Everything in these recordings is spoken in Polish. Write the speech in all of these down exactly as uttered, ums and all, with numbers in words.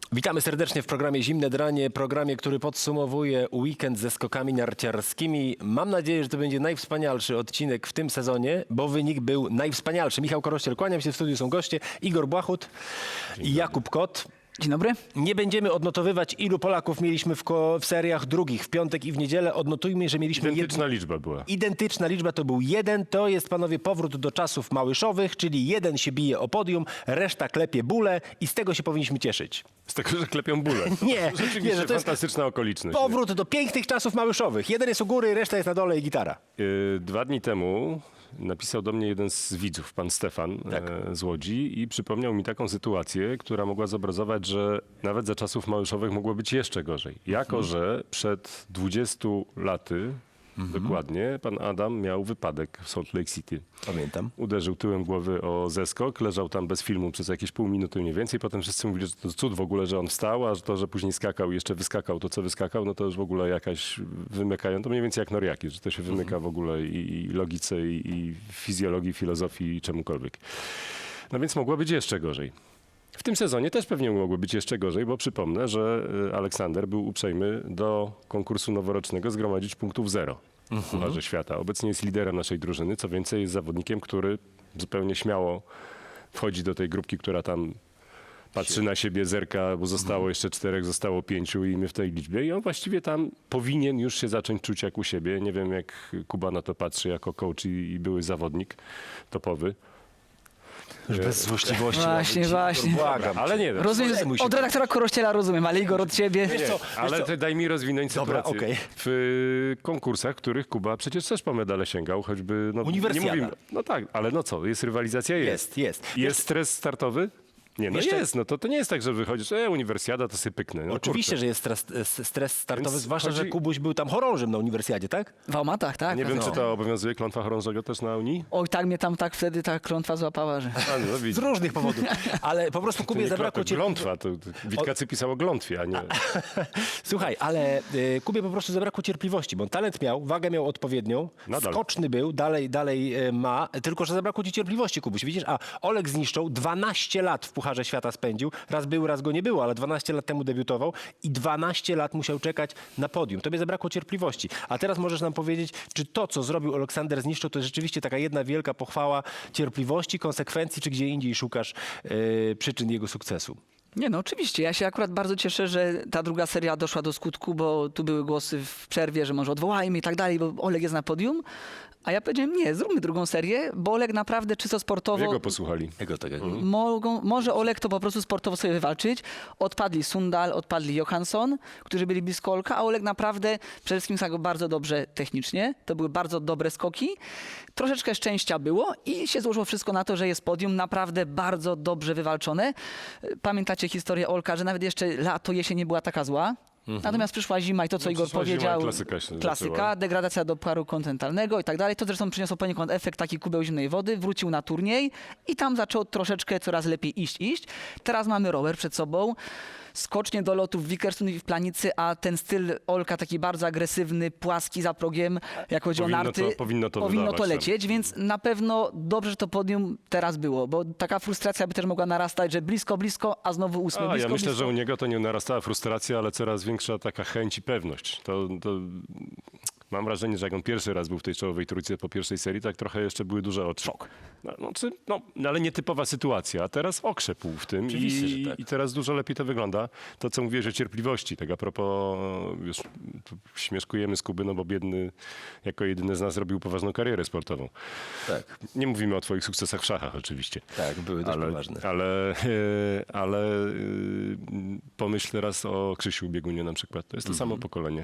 Witamy serdecznie w programie Zimne Dranie, programie, który podsumowuje weekend ze skokami narciarskimi. Mam nadzieję, że to będzie najwspanialszy odcinek w tym sezonie, bo wynik był najwspanialszy. Michał Korościel, kłaniam się, w studiu są goście, Igor Błachut i Jakub Kot. Dzień dobry. Nie będziemy odnotowywać, ilu Polaków mieliśmy w, ko- w seriach drugich, w piątek i w niedzielę. Odnotujmy, że mieliśmy... Identyczna jed... liczba była. Identyczna liczba to był jeden. To jest, panowie, powrót do czasów małyszowych, czyli jeden się bije o podium, reszta klepie bóle i z tego się powinniśmy cieszyć. Z tego, że klepią bóle. Nie, Rzeczywiście nie, że to jest fantastyczna okoliczność. powrót do pięknych czasów małyszowych. Jeden jest u góry, reszta jest na dole i gitara. Yy, Dwa dni temu napisał do mnie jeden z widzów, pan Stefan Tak. e, z Łodzi, i przypomniał mi taką sytuację, która mogła zobrazować, że nawet za czasów małyszowych mogło być jeszcze gorzej. Jako, Mhm. że przed dwudziestu laty Mhm. dokładnie pan Adam miał wypadek w Salt Lake City. Pamiętam. Uderzył tyłem głowy o zeskok, leżał tam bez filmu przez jakieś pół minuty mniej więcej. Potem wszyscy mówili, że to cud w ogóle, że on wstał, a że to, że później skakał i jeszcze wyskakał to, co wyskakał, no to już w ogóle jakaś wymykają. To mniej więcej jak Noriaki, że to się wymyka w ogóle i, i logice, i, i fizjologii, filozofii, i czemukolwiek. No więc mogło być jeszcze gorzej. W tym sezonie też pewnie mogło być jeszcze gorzej, bo przypomnę, że y, Aleksander był uprzejmy do konkursu noworocznego zgromadzić punktów zero w Pucharze Świata. Obecnie jest liderem naszej drużyny, co więcej jest zawodnikiem, który zupełnie śmiało wchodzi do tej grupki, która tam patrzy na siebie, zerka, bo zostało jeszcze czterech, zostało pięciu i my w tej liczbie. I on właściwie tam powinien już się zacząć czuć jak u siebie. Nie wiem, jak Kuba na to patrzy jako coach i, i były zawodnik topowy. Już bez złośliwości. Właśnie, Igor, właśnie. Błagam. Ale nie, no, Rozumiem, Zajmuj się od tym. redaktora Korościela rozumiem, ale Igor od ciebie. Wiesz co, ale wiesz co? ty daj mi rozwinąć Dobra, sytuację. okej. W y, konkursach, których Kuba przecież też po medale sięgał, choćby... No, Uniwersjada. Nie mówimy, no tak, ale no co, jest rywalizacja? Jest. Jest, jest. Jest stres startowy? Nie, no Wiesz co? jest. No to, to nie jest tak, że wychodzisz, e, uniwersjada, to sobie pyknę. No, Oczywiście, kurczę. że jest stres, stres startowy, Więc zwłaszcza, że chodzi- Kubuś był tam chorążym na uniwersjadzie, tak? W Almatach, tak? Nie wiem, no. czy to obowiązuje klątwa chorążego też na Unii? Oj, tak mnie tam tak wtedy ta klątwa złapała, że... A, no, Z widzisz. różnych powodów. Ale po prostu To Kubie nie zabrakło klątwa, cię... glątwa. To, to Witkacy pisało glątwie, a nie... Słuchaj, ale y, Kubie po prostu zabrakło cierpliwości, bo on talent miał, wagę miał odpowiednią, Nadal. skoczny był, dalej, dalej y, ma, tylko że zabrakło ci cierpliwości, Kubuś. Widzisz, a Oleg zniszczył, dwanaście lat w Pucharze Świata spędził, raz był, raz go nie było, ale dwanaście lat temu debiutował i dwanaście lat musiał czekać na podium. Tobie zabrakło cierpliwości. A teraz możesz nam powiedzieć, czy to, co zrobił Aleksander Zniszczył, to jest rzeczywiście taka jedna wielka pochwała cierpliwości, konsekwencji, czy gdzie indziej szukasz y, przyczyn jego sukcesu? Nie no, oczywiście. Ja się akurat bardzo cieszę, że ta druga seria doszła do skutku, bo tu były głosy w przerwie, że może odwołajmy i tak dalej, bo Oleg jest na podium. A ja powiedziałem, nie, zróbmy drugą serię, bo Oleg naprawdę czysto sportowo... Jego posłuchali. Jego tego. Mogą, może Oleg to po prostu sportowo sobie wywalczyć. Odpadli Sundal, odpadli Johansson, którzy byli blisko Olka, a Oleg naprawdę przede wszystkim zagrał bardzo dobrze technicznie. To były bardzo dobre skoki. Troszeczkę szczęścia było i się złożyło wszystko na to, że jest podium naprawdę bardzo dobrze wywalczone. Pamiętacie historię Olka, że nawet jeszcze lato, jesień nie była taka zła. Natomiast przyszła zima i to, co No, Igor przyszła zima i powiedział, klasyka się klasyka, zaczęła. degradacja do paru kontynentalnego i tak dalej. To zresztą przyniosło poniekąd efekt taki kubeł zimnej wody, wrócił na turniej i tam zaczął troszeczkę coraz lepiej iść, iść. Teraz mamy rower przed sobą, skocznie do lotów w Wickersund i w Planicy, a ten styl Olka taki bardzo agresywny, płaski za progiem, jak chodzi Powinno o narty, to- powinno to powinno to wydawać, lecieć, więc na pewno dobrze, że to podium teraz było, bo taka frustracja by też mogła narastać, że blisko, blisko, a znowu ósmy, A, blisko, ja myślę, blisko. że u niego to nie narastała frustracja, ale coraz większa taka chęć i pewność. To, to mam wrażenie, że jak on pierwszy raz był w tej czołowej trójce po pierwszej serii, tak trochę jeszcze były duże oczy. Szok. No, no, czy, no, ale nietypowa sytuacja, a teraz okrzepł w tym Oczywiście, i, że tak. i teraz dużo lepiej to wygląda. To, co mówiłeś o cierpliwości, tak a propos, wiesz, tu śmieszkujemy z Kuby, no bo biedny jako jedyny z nas robił poważną karierę sportową. Tak, Nie mówimy o twoich sukcesach w szachach oczywiście. tak, były dość Ale, poważne. ale, e, ale e, pomyśl teraz o Krzysiu Biegunie na przykład. To jest to samo pokolenie.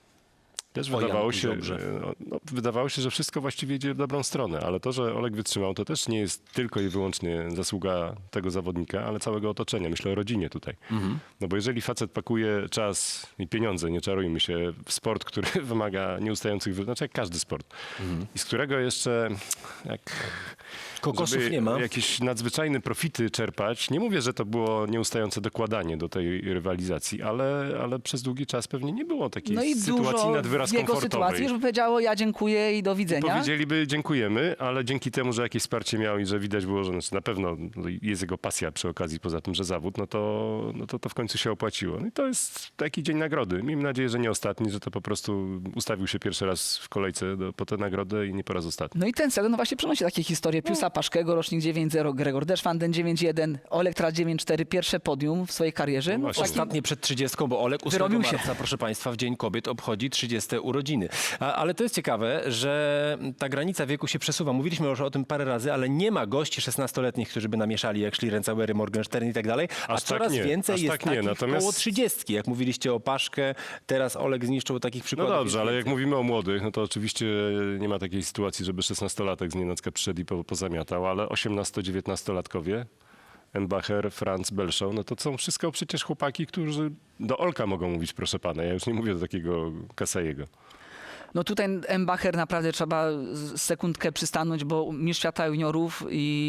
Też O wydawało Janku się, Ziobrze. e, no, wydawało się, że wszystko właściwie idzie w dobrą stronę, ale to, że Oleg wytrzymał, to też nie jest tylko i wyłącznie zasługa tego zawodnika, ale całego otoczenia. Myślę o rodzinie tutaj. No bo jeżeli facet pakuje czas i pieniądze, nie czarujmy się, w sport, który wymaga nieustających, wy- znaczy jak każdy sport, i z którego jeszcze jak Kokosów żeby nie ma. jakieś nadzwyczajne profity czerpać. Nie mówię, że to było nieustające dokładanie do tej rywalizacji, ale, ale przez długi czas pewnie nie było takiej No i sytuacji dużo nadwyraźnej raz w jego komfortowej. sytuacji już by powiedziało ja dziękuję i do widzenia. Powiedzieliby dziękujemy, ale dzięki temu, że jakieś wsparcie miał i że widać było, że znaczy na pewno jest jego pasja przy okazji, poza tym, że zawód, no to, no to, to w końcu się opłaciło. No i to jest taki dzień nagrody. Miejmy nadzieję, że nie ostatni, że to po prostu ustawił się pierwszy raz w kolejce do, po tę nagrodę i nie po raz ostatni. No i ten sezon no właśnie przynosi takie historie. Piusa Paszkego, rocznik dziewięć zero, Gregor Deszwanden dziewięć jeden, Oleg teraz dziewięć cztery, pierwsze podium w swojej karierze. No, właśnie. taki- Ostatnie przed trzydziestką, bo Olek ósmego Wyrobił się. marca, proszę Państwa, w Dzień Kobiet obchodzi trzydzieste urodziny. A, ale to jest ciekawe, że ta granica wieku się przesuwa. Mówiliśmy już o tym parę razy, ale nie ma gości szesnastoletnich, którzy by namieszali jak Schlierencauery, Morgenstern i tak dalej, a Aż tak coraz nie, więcej aż jest tak nie, takich natomiast- koło trzydziestki. Jak mówiliście o Paszkę, teraz Oleg zniszczył takich No przykładów. dobrze, jest ale jak więcej. mówimy o młodych, no to oczywiście nie ma takiej sytuacji, żeby szesnastolatek z nienacka przyszedł i po, pozamiatał, ale osiemnasto-dziewiętnastolatkowie, Embacher, Franz, Belszał, no to są wszystko przecież chłopaki, którzy do Olka mogą mówić, proszę pana. Ja już nie mówię do takiego Kasajego. No tutaj Embacher naprawdę trzeba z- sekundkę przystanąć, bo mistrz świata juniorów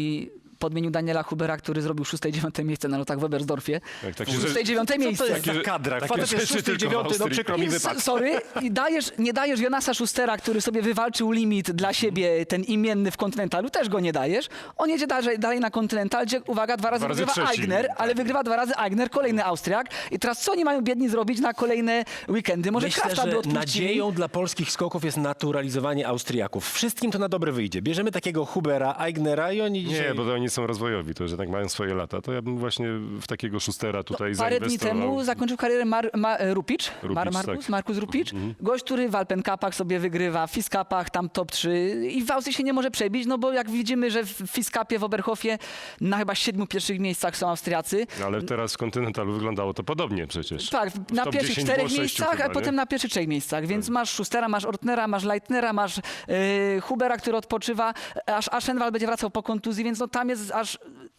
i podmienił Daniela Hubera, który zrobił szóste i dziewiąte miejsce na lotach w Webersdorfie. Tak, takie szóste i rzeczy- dziewiąte Co to miejsce. jest za kadra? takie Facet jest rzeczy szósty i tylko w dziewiąty, no Austrii. przykro mi I wypadł. s- Sorry, i dajesz, nie dajesz Jonasa Schustera, który sobie wywalczył limit dla siebie, ten imienny w Kontynentalu, też go nie dajesz. On jedzie dalej, dalej na Kontynental, gdzie, uwaga, dwa razy Dwa razy wygrywa trzeci. Aigner, ale wygrywa dwa razy Aigner, kolejny Austriak. I teraz co oni mają biedni zrobić na kolejne weekendy? Może Myślę, Krafta by że odpuścili? nadzieją dla polskich skoków jest naturalizowanie Austriaków. Wszystkim to na dobre wyjdzie. Bierzemy takiego Hubera, Aignera i oni dzisiaj... Nie, bo to oni są rozwojowi, to że tak mają swoje lata. To ja bym właśnie w takiego Szustera tutaj Parę dni zainwestował. temu zakończył karierę Mar, Ma, Rupicz, Rupicz, Mar, Markus, tak. Markus Rupicz. Gość, który w Alpen Cupach sobie wygrywa, w Fis Cupach tam top trzy i w Austrii się nie może przebić, no bo jak widzimy, że w Fis Cupie w Oberhofie na chyba siedmiu pierwszych miejscach są Austriacy. Ale teraz w Kontynentalu wyglądało to podobnie przecież. Tak, W na top pierwszych dziesięć czterech było sześciu miejscach, chyba, a nie? potem na pierwszych trzech miejscach. Więc masz Schustera, masz Ortnera, masz Leitnera, masz yy, Hubera, który odpoczywa, aż Aschenwald będzie wracał po kontuzji, więc no tam jest aż...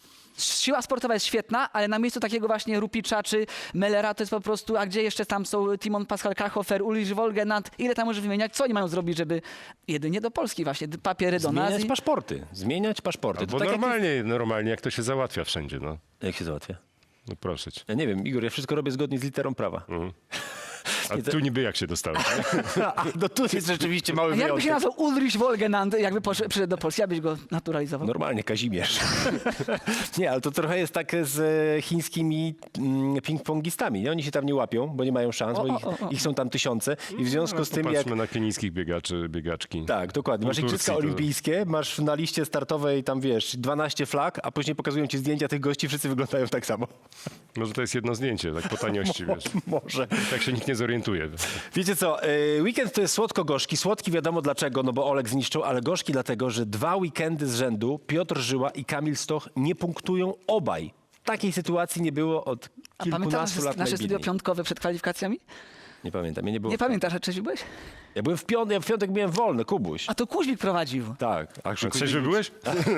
Siła sportowa jest świetna, ale na miejscu takiego właśnie Rupicza czy Mellera to jest po prostu, a gdzie jeszcze tam są Timon Pascal Kachhofer, Ulrich Wolgenant, ile tam możesz wymieniać, co oni mają zrobić, żeby jedynie do Polski właśnie, papiery do nas. Zmieniać i- paszporty. Zmieniać paszporty. Bo tak jak normalnie, normalnie jak to się załatwia wszędzie, no. jest- Jak się załatwia? No proszę cię. Ja nie wiem, Igor, ja wszystko robię zgodnie z literą prawa. A tu niby jak się dostałeś? A, no tu jest rzeczywiście mały A jakby wyjątek. się nazwał Ulrich Wolgenant, jakby poszedł, przyszedł do Polski, abyś go naturalizował? Normalnie, Kazimierz. nie, ale to trochę jest tak z e, chińskimi mm, ping-pongistami. Nie? Oni się tam nie łapią, bo nie mają szans, O, bo o, ich, o, o. ich są tam tysiące. I w związku z tym, jak... Popatrzmy na kenijskich biegaczy, biegaczki. Tak, dokładnie. Masz W Turcji igrzyska to- olimpijskie, masz na liście startowej tam, wiesz, dwanaście flag, a później pokazują ci zdjęcia tych gości, wszyscy wyglądają tak samo. Może to jest jedno zdjęcie, tak po taniości, wiesz. Może. Tak się nikt nie zorientuje. Wiecie co, y, weekend to jest słodko-gorzki. Słodki wiadomo dlaczego, no bo Oleg zniszczył, ale gorzki dlatego, że dwa weekendy z rzędu Piotr Żyła i Kamil Stoch nie punktują obaj. Takiej sytuacji nie było od A pamiętasz kilkunastu nasze, lat nasze studio najbiedniej. piątkowe przed kwalifikacjami? Nie pamiętam, ja nie było. Nie pamiętasz, a trzeźwy byłeś? Ja byłem w piątek, ja w piątek miałem wolny, Kubuś. A to Kuźmik prowadził. Tak. A A trzeźwy byłeś?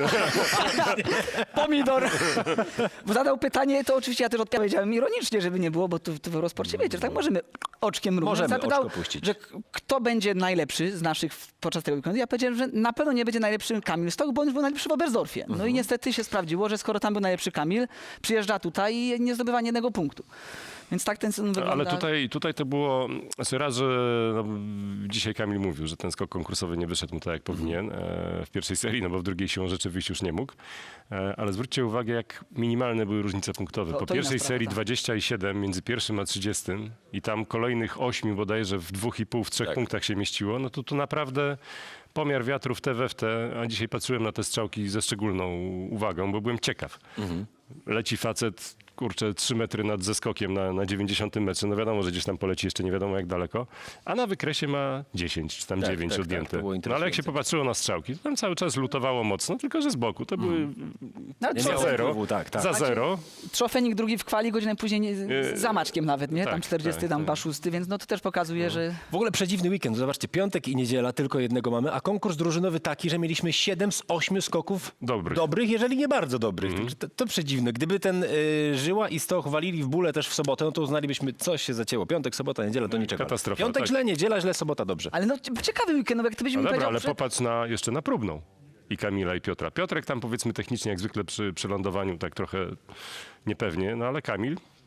Pomidor. Bo zadał pytanie, to oczywiście ja też odpowiedziałem ironicznie, żeby nie było, bo tu, tu w Eurosporcie wiecie, że tak możemy oczkiem mrugnąć. Możemy Zapytał, oczko puścić. że k- kto będzie najlepszy z naszych w- podczas tego weekendu. Ja powiedziałem, że na pewno nie będzie najlepszy Kamil Stoch, bo on już był najlepszy w Oberstdorfie. No i niestety się sprawdziło, że skoro tam był najlepszy Kamil, przyjeżdża tutaj i nie zdobywa ani jednego punktu. Więc tak ten sezon wygląda. Ale tutaj, tutaj to było, znaczy raz, że no, dzisiaj Kamil mówił, że ten skok konkursowy nie wyszedł mu tak jak powinien e, w pierwszej serii, no bo w drugiej siłą rzeczywiście już nie mógł. E, ale zwróćcie uwagę, jak minimalne były różnice punktowe. To- Po to inna pierwszej sprawa, serii tak. dwadzieścia siedem między pierwszym a trzydziestym i tam kolejnych ośmiu bodajże w dwóch i pół, w trzech Tak. punktach się mieściło, no to tu naprawdę pomiar wiatru w te we w te, a dzisiaj patrzyłem na te strzałki ze szczególną uwagą, bo byłem ciekaw. Leci facet, kurczę, trzy metry nad zeskokiem na, na dziewięćdziesiątym metrze. No wiadomo, że gdzieś tam poleci jeszcze nie wiadomo jak daleko. A na wykresie ma dziesięć czy tam Tak, dziewięć tak, tak, odjęte. to było no ale jak się interesujące. popatrzyło na strzałki, to tam cały czas lutowało mocno, tylko że z boku. To były No, ale Nie za miało zero. wpływu, tak, tak. Za zero. Trzofenik drugi w kwali, godzinę później nie, Yy, z zamaczkiem nawet, nie? Tam tak, czterdziesty, tak, tam tak. chyba szósty, więc no to też pokazuje, że... W ogóle przedziwny weekend. Zobaczcie, piątek i niedziela tylko jednego mamy, a konkurs drużynowy taki, że mieliśmy siedem z ośmiu skoków Dobrych. dobrych jeżeli nie bardzo dobrych. Także To, to przedziwne. Gdyby ten y, Żyła i Stoch walili w bóle też w sobotę, no to uznalibyśmy, coś się zacięło. Piątek, sobota, niedziela to niczego. Katastrofa, Piątek tak. źle, niedziela źle, sobota dobrze. Ale no ciekawy weekend, no jak ty byś No mi dobra, powiedział, ale że... popatrz na, jeszcze na próbną. I Kamila, i Piotra. Piotrek tam powiedzmy technicznie jak zwykle przy przelądowaniu tak trochę niepewnie, no ale Kamil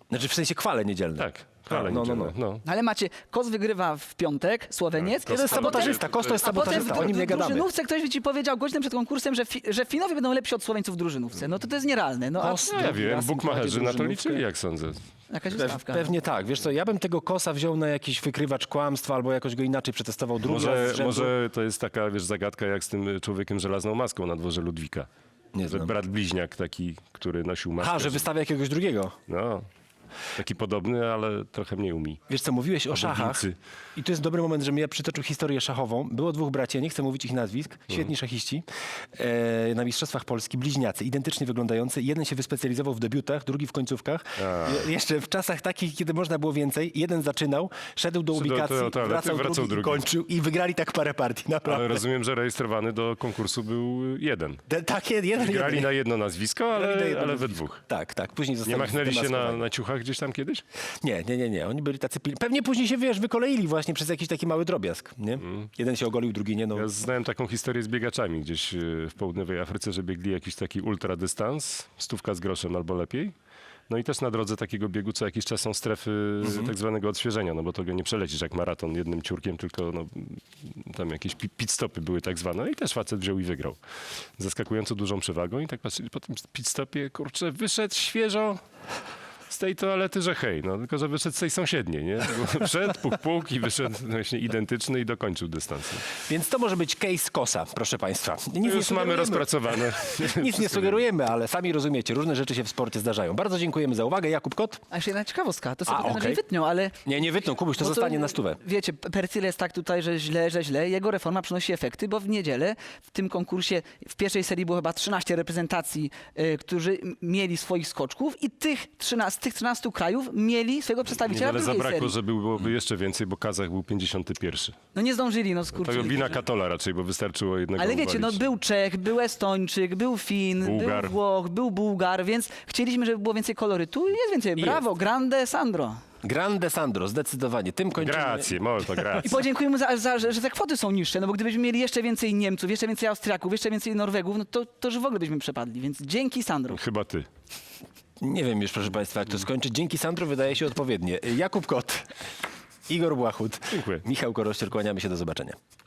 Znaczy w sensie chwale niedzielne. Tak, chwale A, no, no, niedzielne, no. no. Ale macie, Kos wygrywa w piątek, Słoweniec. Tak, To jest A potem- sabotażysta, Kos to jest A potem sabotażysta, w, o nim w nie gadamy. drużynówce ktoś by ci powiedział godzinę przed konkursem, że, fi, że Finowie będą lepsi od Słoweńców w drużynówce. No to to jest nierealne. No, a Kos No, ja drugi wiem, raz im bukmacherzy prowadzi na to drużynówkę. liczyli, jak sądzę. jakaś Pe- ustawka. Pewnie tak. Wiesz co, ja bym tego Kosa wziął na jakiś wykrywacz kłamstwa albo jakoś go inaczej przetestował drugi raz Może, z rzędu. może to jest taka, wiesz, zagadka jak z tym człowiekiem żelazną maską na dworze Ludwika. Nie Że znam. brat bliźniak taki, który nosił maskę. Ha, że wystawia jakiegoś drugiego. No, taki podobny, ale trochę mniej umi. Wiesz co, mówiłeś o szachach wilcy. i tu jest dobry moment, żebym ja przytoczył historię szachową. Było dwóch braci, ja nie chcę mówić ich nazwisk, świetni szachiści, e, na Mistrzostwach Polski, bliźniacy, identycznie wyglądający. Jeden się wyspecjalizował w debiutach, drugi w końcówkach. Je, jeszcze w czasach takich, kiedy można było więcej. Jeden zaczynał, szedł do Szedł do ubikacji, toalety, wracał, wracał drugi, drugi. i kończył i wygrali tak parę partii, naprawdę. Ale rozumiem, że rejestrowany do konkursu był jeden. De, tak, jeden, Grali jeden. na jedno nazwisko, Grali na ale, jedno ale we nazwisko. dwóch. Tak, tak. Później Nie zostali machnęli się na, zdemaskowani. na ciuchach gdzieś tam kiedyś? Nie, nie, nie, nie. Oni byli tacy pilni. Pewnie później się, wiesz, wykoleili właśnie przez jakiś taki mały drobiazg, nie? Jeden się ogolił, drugi nie, no. Ja znałem taką historię z biegaczami gdzieś e, w południowej Afryce, że biegli jakiś taki ultradystans, stówka z groszem albo lepiej. No i też na drodze takiego biegu co jakiś czas są strefy tak zwanego odświeżenia, no bo to go nie przelecisz jak maraton jednym ciurkiem, tylko no, tam jakieś pi- pit stopy były tak zwane. No i też facet wziął i wygrał. Zaskakująco dużą przewagą i tak patrzyli po tym pit stopie, kurczę, wyszedł świeżo z tej toalety, że hej, no tylko, że wyszedł z tej sąsiedniej, nie? Wszedł, puk, puk i wyszedł właśnie identyczny i dokończył dystans. Więc to może być case Kosa, proszę państwa. Nic nie Już mamy sugerujemy. rozpracowane. Nic nie sugerujemy, ale sami rozumiecie, różne rzeczy się w sporcie zdarzają. Bardzo dziękujemy za uwagę. Jakub Kot? A jeszcze jedna ciekawostka, to sobie A, potem okej. wytną, ale... Nie, nie wytną, Kubuś, to bo zostanie na stówę. Wiecie, Percyle jest tak tutaj, że źle, że źle. Jego reforma przynosi efekty, bo w niedzielę w tym konkursie w pierwszej serii było chyba trzynaście reprezentacji, y, którzy m- mieli swoich skoczków i tych trzynastu, z tych trzynastu krajów mieli swojego przedstawiciela w Niewiele drugiej zabrakło, serii. żeby byłoby jeszcze więcej, bo Kazach był pięćdziesiąty pierwszy. No nie zdążyli, no To skurczyli. wina Katola raczej, bo wystarczyło jednego Ale wiecie, no uwalić. był Czech, był Estończyk, był Fin, Bułgar. był Włoch, był Bułgar, więc chcieliśmy, żeby było więcej kolorytu i jest więcej. Brawo, grande Sandro. Grande Sandro, zdecydowanie. Tym kończymy. Grazie, molto I grazie. podziękujemy za, za że, że te kwoty są niższe, no bo gdybyśmy mieli jeszcze więcej Niemców, jeszcze więcej Austriaków, jeszcze więcej Norwegów, no to, to że w ogóle byśmy przepadli, więc dzięki Sandro. Chyba ty. Nie wiem już, proszę państwa, jak to skończyć. Dzięki Sandro wydaje się odpowiednie. Jakub Kot, Igor Błachut, Dziękuję. Michał Korościel, kłaniamy się, do zobaczenia.